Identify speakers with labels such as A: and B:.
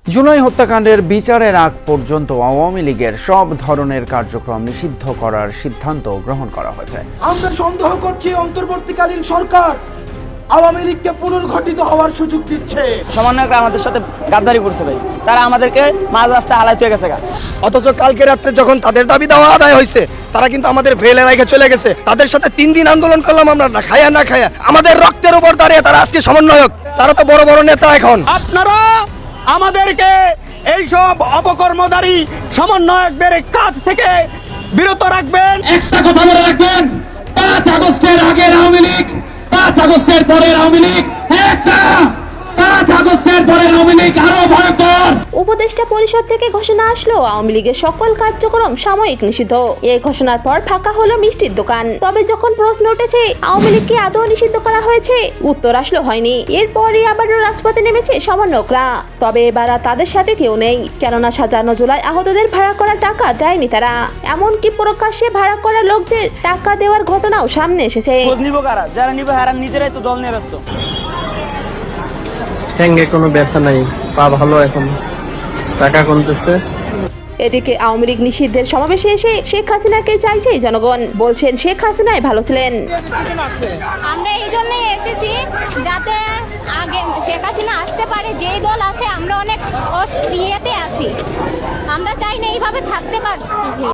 A: জুলাই হত্যাকাণ্ডের বিচারের আগ পর্যন্ত আওয়ামী লীগের সব ধরনের কার্যক্রম নিষিদ্ধ করার সিদ্ধান্ত গ্রহণ করা হয়েছে।
B: আমরা সন্দেহ করছি অন্তর্বর্তীকালীন সরকার আওয়ামী লীগকে পুনর্গঠিত হওয়ার সুযোগ দিচ্ছে।
C: সমন্বয়করা আমাদের সাথে গাদ্দারি করছে ভাই, তারা আমাদেরকে মাঝ রাস্তায় হালাইতে হয়ে গেছে।
D: অথচ কালকে রাত্রে যখন তাদের দাবি দেওয়া আদায় হয়েছে, তারা কিন্তু আমাদের ফেলে রেখে চলে গেছে। তাদের সাথে 3 দিন আন্দোলন করলাম আমরা, না খায়া আমাদের রক্তের উপর দাঁড়িয়ে তারা আজকে সমন্বয়ক, তারা তো বড় বড় নেতা। এখন
E: আপনারা আমাদেরকে এইসব অপকর্মধারী সমন্বয়কদের কাছ থেকে বিরত রাখবেন।
F: একটা কথা মনে রাখবেন, 5 আগস্টের আগের আওয়ামী লীগ, 5 আগস্টের পরের আওয়ামী লীগ একটা, 5 আগস্টের পরের আওয়ামী লীগ আরো ভয়ঙ্কর।
G: উপদেষ্টা পরিষদ থেকে ঘোষণা আসলো আওয়ামী লীগের সকল কার্যক্রম সাময়িক নিষিদ্ধ। এই ঘোষণার পর ফাঁকা হলো মিষ্টির দোকান। তবে যখন প্রশ্ন উঠেছে আওয়ামী লীগকে আদৌ নিষিদ্ধ করা হয়েছে, উত্তর আসলো হয়নি। এরপরই আবারও রাজপথে নেমেছে সমন্বয়করা। তবে এবার আর তাদের সাথে কেউ নেই, কেননা 57 জুলাই আহতদের ভাড়া করা টাকা দেয়নি তারা। এমনকি প্রকাশ্যে ভাড়া করা লোকদের টাকা দেওয়ার ঘটনাও সামনে এসেছে।
C: খোঁজ নিব কারা, যারা নিবে হারা নিজেরাই তো দল নিয়ে ব্যস্ত।
H: ঠ্যাঙ্গে কোনো ব্যথা নাই, পা ভালো, এখন টাকা কমতেছে।
G: এদিকে আওয়ামী লীগ নিষিদ্ধের সমাবেশে এসে শেখ হাসিনাকে চাইছে জনগণ। বলছেন শেখ হাসিনাই ভালো ছিলেন।
I: আমরা এই জন্যই এসেছি যাতে আগে শেখ হাসিনা আসতে পারে। যেই দল আছে আমরা অনেক ইয়েতে আছি, আমরা চাই না এইভাবে থাকতে পারছি।